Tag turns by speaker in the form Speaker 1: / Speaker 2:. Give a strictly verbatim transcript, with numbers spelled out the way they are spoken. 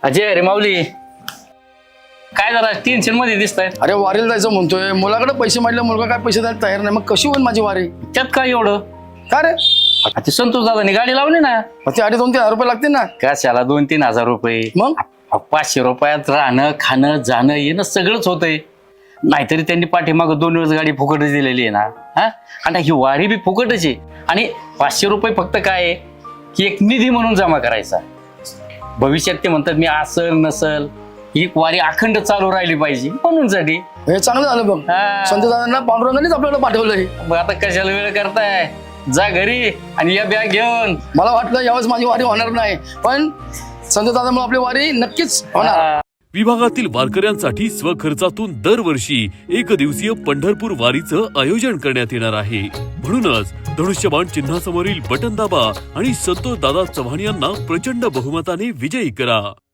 Speaker 1: अजय रे माऊली, काय जरा टेन्शन मध्ये दिसताय?
Speaker 2: अरे वारीला जायचं म्हणतोय, मुलाकडे पैसे मागले, मुलगा काय पैसे द्यायला तयार नाही, मग कशी होईल माझी वारी?
Speaker 1: त्यात काय एवढं?
Speaker 2: का रे?
Speaker 1: आ, ते संतोष दादानी गाडी लावली ना.
Speaker 2: मग ते अडीच दोन तीन हजार रुपये लागतील ना.
Speaker 1: कशाला दोन तीन हजार रुपये?
Speaker 2: मग
Speaker 1: आ, पाचशे रुपयात राहणं खाणं जाणं येणं सगळंच होतंय. नाहीतरी त्यांनी पाठीमागं दोन वेळेस गाडी फुकटच दिलेली आहे ना. हा, आणि ही वारी बी फुकटच आहे. आणि पाचशे रुपये फक्त काय आहे की एक निधी म्हणून जमा करायचा. भविष्यात ते म्हणतात मी असल नसल ही वारी अखंड चालू राहिली पाहिजे म्हणून साठी.
Speaker 2: हे चांगलं झालं बघ,
Speaker 1: हा.
Speaker 2: संत दादांना पांडुरंगानेच आपल्याला पाठवलंय.
Speaker 1: मग आता कशाला वेळ करताय? जा घरी आणि या बॅग घेऊन.
Speaker 2: मला वाटलं यावेळेस माझी वारी होणार नाही, पण संत दादामुळे आपली वारी नक्कीच होणार.
Speaker 1: हा.
Speaker 3: विभागातील वारकऱ्यांसाठी स्वखर्चातून दरवर्षी एक दिवसीय पंढरपूर वारीचं आयोजन करण्यात येणार आहे. म्हणूनच धनुष्यबाण चिन्हासमोरील बटन दाबा आणि संतोष दादा चव्हाण यांना प्रचंड बहुमताने विजयी करा.